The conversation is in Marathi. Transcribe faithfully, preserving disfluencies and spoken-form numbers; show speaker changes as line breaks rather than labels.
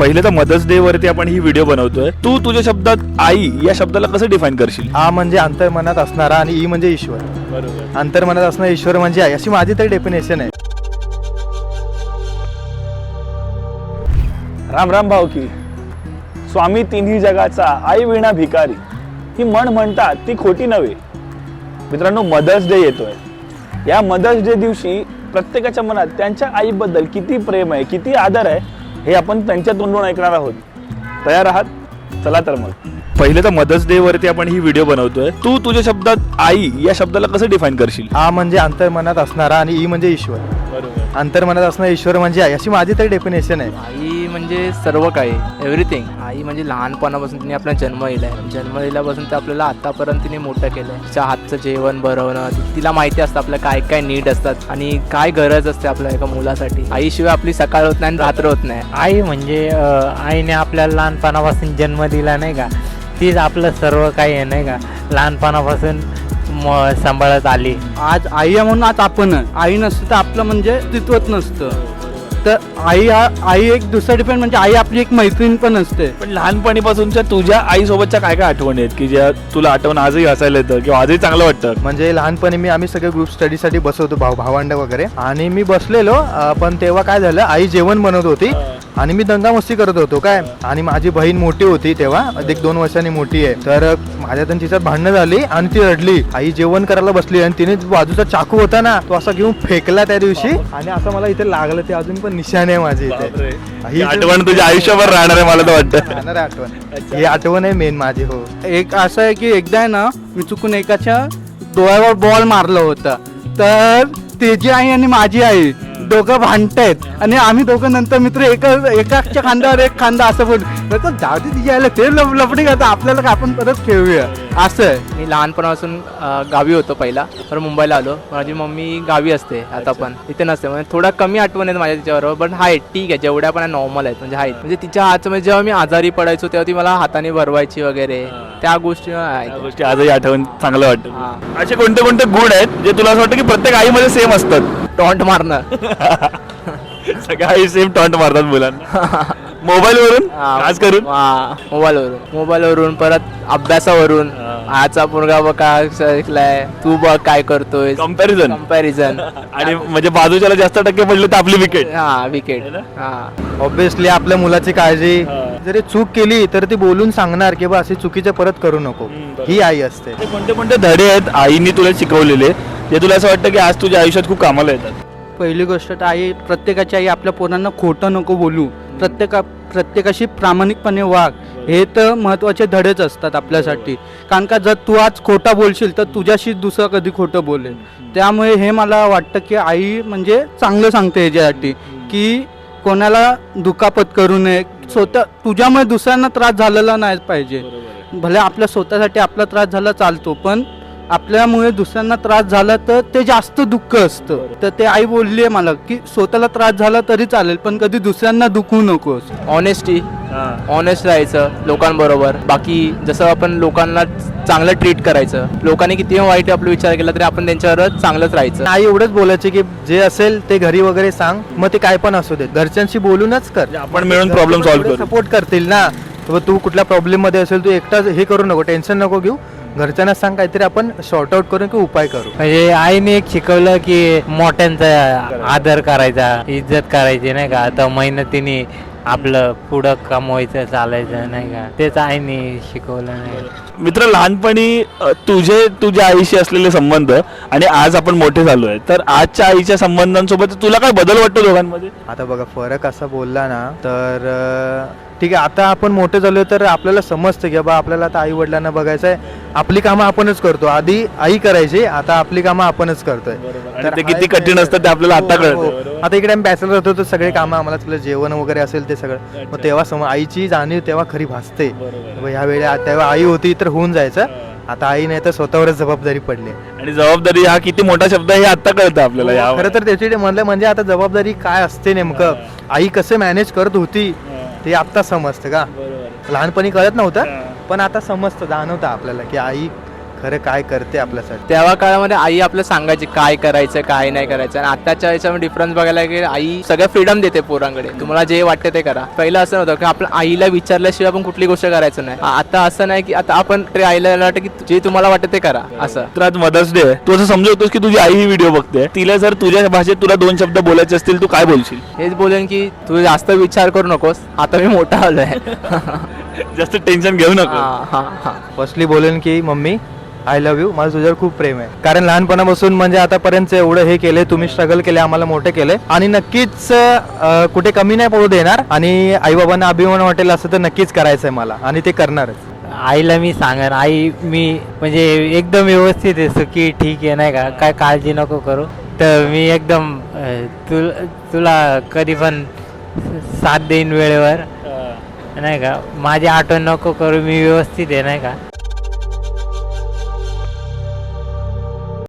पहिले तर मदर्स डे वरती आपण ही व्हिडिओ बनवतोय. तू तुझ्या शब्दात आई या शब्दाला कसं डिफाईन करशील?
आ म्हणजे अंतर्मनात असणारा आणि ई म्हणजे ईश्वर.
बरोबर.
अंतर्मनात असणारा ईश्वर म्हणजे आई, अशी माझी तरी डेफिनेशन आहे.
राम राम भाऊ की स्वामी तिन्ही जगाचा आई विणा भिकारी ही म्हण म्हणतात ती खोटी नव्हे. मित्रांनो, मदर्स डे येतोय. या मदर्स डे दिवशी प्रत्येकाच्या मनात त्यांच्या आईबद्दल किती प्रेम आहे, किती आदर आहे हे आपण त्यांच्या तोंडून ऐकणार आहोत. तयार आहात? चला तर मग. पहिले तर मदर्स डे वरती आपण ही व्हिडिओ बनवतोय. तू तुझ्या शब्दात आई या शब्दाला कसं डिफाईन करशील?
आ म्हणजे अंतर्मनात असणारा आणि ई म्हणजे ईश्वर.
बरोबर.
अंतर्मनात असणारा ईश्वर म्हणजे आई, अशी माझी तरी डेफिनेशन आहे.
आई म्हणजे सर्व काही, एव्हरीथिंग. आई म्हणजे लहानपणापासून तिने आपला जन्म दिलाय. जन्म दिल्यापासून तर आपल्याला आतापर्यंत तिने मोठं केलंय. तिच्या हातचं जेवण बनवणं, तिला माहिती असतं आपल्या काय काय नीड असतात आणि काय गरज असते आपल्या एका मुलासाठी. आईशिवाय आपली सकाळ होत नाही आणि रात्र होत नाही.
आई म्हणजे अ, आईने आपल्याला लहानपणापासून जन्म दिला नाही का, तीच आपलं सर्व काही आहे नाही का, लहानपणापासून म सांभाळत आली.
आज आई आहे म्हणून आज आपण आहे. आई नसतं तर आपलं म्हणजे अस्तित्वच नसतं. तर आई हा आई एक दुसरा डिपेंड म्हणजे आई आपली एक मैत्रीण पण असते.
पण लहानपणीपासूनच्या तुझ्या आईसोबतच्या काय काय आठवणी आहेत की ज्या तुला आठवण आजही हसायला येतं किंवा आजही चांगलं वाटतं?
म्हणजे लहानपणी मी आम्ही सगळे ग्रुप स्टडीसाठी बसवतो, भाऊ भावंड वगैरे, आणि मी बसलेलो. अ, पण तेव्हा काय झालं, आई जेवण बनवत होती आणि मी दंगामस्ती करत होतो काय. आणि माझी बहीण मोठी होती तेव्हा, एक दोन वर्षांनी मोठी आहे. तर माझ्या तर तिच्यात भांडणं झाली आणि ती रडली. आई जेवण करायला बसली आणि तिने बाजूचा चाकू होता ना, तो असा घेऊन फेकला त्या दिवशी आणि असं मला इथे लागलं. ते अजून पण निशाण आहे माझी इथे.
ही आठवण तुझ्या आयुष्यभर राहणार आहे मला तर वाटतं.
राहणार आहे आठवण. ही आठवण आहे मेन माझी. हो.
एक असं आहे की एकदा आहे ना, मी चुकून एकाच्या डोळ्यावर बॉल मारला होता. तर त्याची आई आणि माझी आई दोघं भांडतायत आणि आम्ही दोघं नंतर मित्र एका एकाच्या खांद्यावर एक खांदा असं बोल जाऊ दे, तिची आयला ते लप लपडी करता, आपल्याला का आपण परत खेळूया असं आहे.
मी लहानपणापासून अ, गावी होतो पहिला, तर मुंबईला आलो. माझी मम्मी गावी असते आता पण, इथे नसते. म्हणजे थोडा कमी आठवण आहेत माझ्या तिच्याबरोबर, पण आहे ठीक आहे, जेवढ्या पण नॉर्मल आहेत म्हणजे आहेत. म्हणजे तिच्या हातचं म्हणजे जेव्हा मी आजारी पडायचो तेव्हा ती मला हाताने भरवायची वगैरे, त्या गोष्टी
या
आहेत.
गोष्टी आजही आठवण चांगलं वाटतं.
हा.
असे कोणते कोणते गुण आहेत जे तुला असं वाटतं की प्रत्येक आईमध्ये सेम असतात?
टॉन्ट मारणं.
सगळ्या आई सेम टॉन्ट मारतात मुलांना मोबाईल वरून, खास करून
मोबाईलवरून मोबाईलवरून परत अभ्यासावरून. आजचा मुलगा बघ काय शिकलाय, तू बघ काय करतोय,
कम्पॅरिझन.
कम्पॅरिझन.
आणि म्हणजे बाजूच्याला जास्त टक्के पडले तर आपली विकेट.
हा विकेट. हा
ऑब्विसली आपल्या मुलाची काळजी, जरी चूक केली तर ती बोलून सांगणार की बा अशी चुकीचे परत करू नको. ही आई असते.
ते कोणते कोणते धडे आहेत आईने तुला शिकवलेले जे तुला असं वाटतं की आज तुझ्या आयुष्यात खूप कामाला येतात?
पहिली गोष्ट तर आई, प्रत्येकाची आई आपल्या पोरांना खोटं नको बोलू, प्रत्येका प्रत्येकाशी प्रामाणिकपणे वाग. हे तर महत्त्वाचे धडेच असतात आपल्यासाठी. कारण का जर तू आज खोटा बोलशील तर तुझ्याशी दुसरं कधी खोटं बोलेल. त्यामुळे हे मला वाटतं की आई म्हणजे चांगलं सांगते याच्यासाठी की कोणाला दुखापत करू नये. स्वतः तुझ्यामुळे दुसऱ्यांना त्रास झालेला नाही पाहिजे. भले आपल्या स्वतःसाठी आपला त्रास झाला चालतो, पण आपल्यामुळे दुसऱ्यांना त्रास झाला तर ते जास्त दुःख असतं. तर ते आई बोलली आहे मला की स्वतःला त्रास झाला तरी चालेल, पण कधी दुसऱ्यांना दुखवू नकोस.
ऑनेस्टी, ऑनेस्ट राहायचं लोकांबरोबर. बाकी जसं आपण लोकांना चांगलं ट्रीट करायचं, लोकांनी किती वाईट आपला विचार केला तरी आपण त्यांच्यावर चांगलंच राहायचं.
आई एवढंच बोलायचे की जे असेल ते घरी वगैरे सांग, मग ते काय पण असू दे, घरच्यांशी बोलूनच कर.
आपण मिळून प्रॉब्लेम सॉल्व्ह करू.
सपोर्ट करतील ना. तू कुठल्या प्रॉब्लेम मध्ये असेल, तू एकटा हे करू नको, टेन्शन नको घेऊ. घरच्यांना सांग, काहीतरी आपण शॉर्ट आउट करू की उपाय करू.
म्हणजे आईने एक शिकवलं की मोठ्यांचा आदर करायचा, इज्जत करायची नाही का. आता मेहनतीने आपलं पुढं कमवायचं, चालायचं नाही का, तेच आईने शिकवलं नाही.
मित्र, लहानपणी अ, तुझे तुझ्या आईशी असलेले संबंध आणि आज आपण मोठे झालो आहे, तर आजच्या आईच्या संबंधांसोबत तुला काय बदल वाटतो दोघांमध्ये?
आता बघा, फरक असा बोलला ना तर अं, ठीक आहे, आता आपण मोठे झालो तर आपल्याला समजतं की बाबा आपल्याला आता आई वडिलांना बघायचं आहे. आपली कामं आपणच करतो. आधी आई करायची, आता आपली कामं आपणच करतोय.
तर ते किती कठीण असतं ते आपल्याला आता कळतं.
आता इकडे आम्ही बॅचलर होतो तर सगळे कामं आम्हाला, तुला जेवण वगैरे असेल ते सगळं, मग तेव्हा सम आईची जाणीव तेव्हा खरी भासते. ह्या वेळी तेव्हा आई होती तर होऊन जायचं. आता आई नाही तर स्वतःवरच जबाबदारी पडली.
आणि जबाबदारी हा किती मोठा शब्द आहे हे आता कळतं आपल्याला.
खरं तर त्याची म्हणलं म्हणजे आता जबाबदारी काय असते नेमकं, आई कसं मॅनेज करत होती ते आता समजतं का. लहानपणी कळत नव्हतं, पण आता समजतं, जाणवतं आपल्याला की आई खरं काय करते आपल्यासाठी.
तेव्हा काळामध्ये आई आपलं सांगायची काय करायचं काय नाही करायचं, आणि आताच्या याच्यामध्ये डिफरन्स बघायला गेलं आई सगळं फ्रीडम देते पोरांकडे, तुम्हाला जे वाटतं ते करा. पहिलं असं नव्हतं की आपण आईला विचारल्याशिवाय आपण कुठली गोष्ट करायचं नाही. आ- आता असं नाही की आता आपण ते आईला वाटतं की जे तुम्हाला वाटतं ते करा असं.
तर आज मदर्स डे आहे, तू असं समजवतोस की तुझी आई ही व्हिडिओ बघते, तिला जर तुझ्या भाषेत तुला दोन शब्द बोलायचे असतील तू काय बोलशील?
हेच बोलेन की तू जास्त विचार करू नकोस, आता मी मोठा आलोय.
जास्त टेन्शन घेऊ नको.
हा हा हा
फर्स्टली बोलेन की मम्मी आय लव्ह यू, माझं तुझ्यावर खूप प्रेम आहे. कारण लहानपणापासून म्हणजे आतापर्यंत एवढं हे केले, तुम्ही स्ट्रगल केले, आम्हाला मोठे केले, आणि नक्कीच अं, कुठे कमी नाही पडू देणार. आणि आई बाबांना अभिमान वाटेल असं तर नक्कीच करायचं आहे मला, आणि ते करणारच.
आईला मी सांगेन, आई मी म्हणजे एकदम व्यवस्थित आहे, सुखी ठीक आहे नाही का, काय काळजी नको करू. तर मी एकदम अं, तुल तुला कधी पण साथ देईन वेळेवर नाही का, माझी आठवण नको करू, मी व्यवस्थित आहे नाही का.